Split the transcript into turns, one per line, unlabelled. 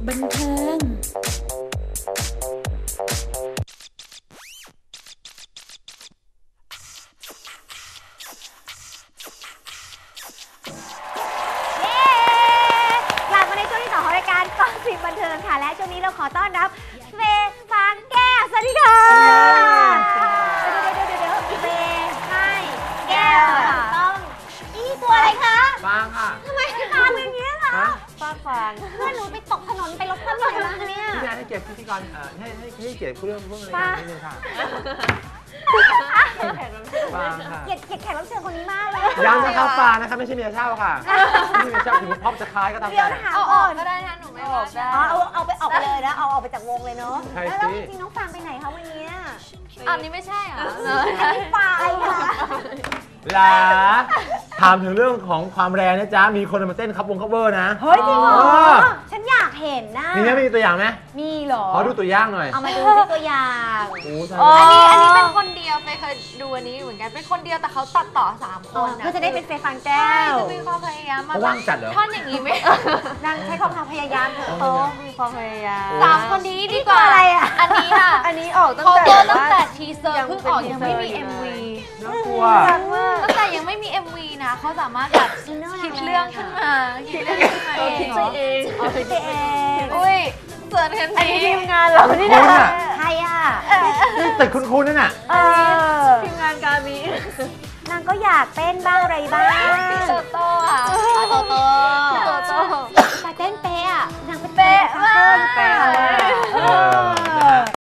บันเทิง
กลับมาในช่วงที่2ของรายการกอสิบบันเทิงค่ะและช่วงนี้เราขอต้อนรับเฟย์ฟางแก้วสวัสดีค่ะเดี๋ยวเฟย์ให้แก้วต้องนี่ตัวอะไรคะ
ฟางค่ะ
ทำไมฟางอย่างนี้ล่ะ
ฟาง
เพื่อนหนูไปตกถนนไปรถคว่ำเลยนะเนี่ย
พี่แนนให้เกียรติพิธีกรให้เกียรติเรื่องอะไรกันนิดนึงค่ะฟางค่ะ
เกลียดแขกรับเชิญคนนี้มากเลย
ยังนะครับฟางนะครับไม่ใช่เมียเช่าค่ะไม่ใช่เมียเช่าถึงพ็อปจะคล้ายก็ตาม
เดี๋ยว
ใจ
ถาม
เอาอ
ก่
อ
อก น
ก็ได้นะหนูไม่ว่าได้
เอาไปออกไปเลยนะเอาออกไปจากวงเลยเนาะ
ใช่
แล้ว
สิ
จริงๆน้องฟางไปไหนคะวันนี้
อันนี้ไม่ใช่เหรอ
อันนี้ฟางค่ะ
หลาถามถึงเรื่องของความแรงนะจ๊ะมีคนมาเต้นคับวงคัฟเวอร์นะ
เฮ้ยจริงเหรอ
เออ
ฉันอยากเห็นนะ
มีไหมมีตัวอย่างไหม
มีเหรอ
ขอดูตัวอย่างหน่อย
เอามาดูที่ตัวอย่าง
โอ้ใช่
อันนี้เป็นคนเดียวไปเคยดูอันนี้เหมือนกันเป็นคนเดียวแต่เขาตัดต่อ3 คนนะ
ก็จะได้เป็นเฟย์ฟางแก้
ใช่
ว
จะมีความพยายามมา
เขาว่างจัดเหรอ
ท่อนอย่างนี้ไหม
นางใช้ความพยายามเถอะ
โอ้มีความพยายาม
โอ้
3 คนนี้ดีกว่า
อะไรอ่ะ
อันนี้ค่ะ
อันนี้ออกตั้ง
เขา
แต่
ตัวตั้งแต่ทีเซอร์
ยัง
เพิ่ง
เป็น
ออก
ที
ยัง
เซอร์
ไม่มี
อยู่เลย
MV
น่ากลัว
ตั้งแต่ยังไม่มี MV นะเขาสามารถแบบคิดเรื่องขึ้นมาคิดเรื่องขึ้นมา
คิดไปเอง
เอาไปเอง
อุ้ยเสิร์ชกัน
อัน
นี้
นี้ทีมงานเรานี่
คุ
นะ
ณอ่ะ
ใครอ่ะ
นี่ตึกคุณนั่นน่ะ
ทีมงานกามี
นางก็อยากเต้นบ้างอะไรบ้าง
โตโต้ค่ะ
โตโต้
โตโต้
แต่เต้นเป๊ะอ่ะนางเป็น
เป๊ะมาก
เป๊ะ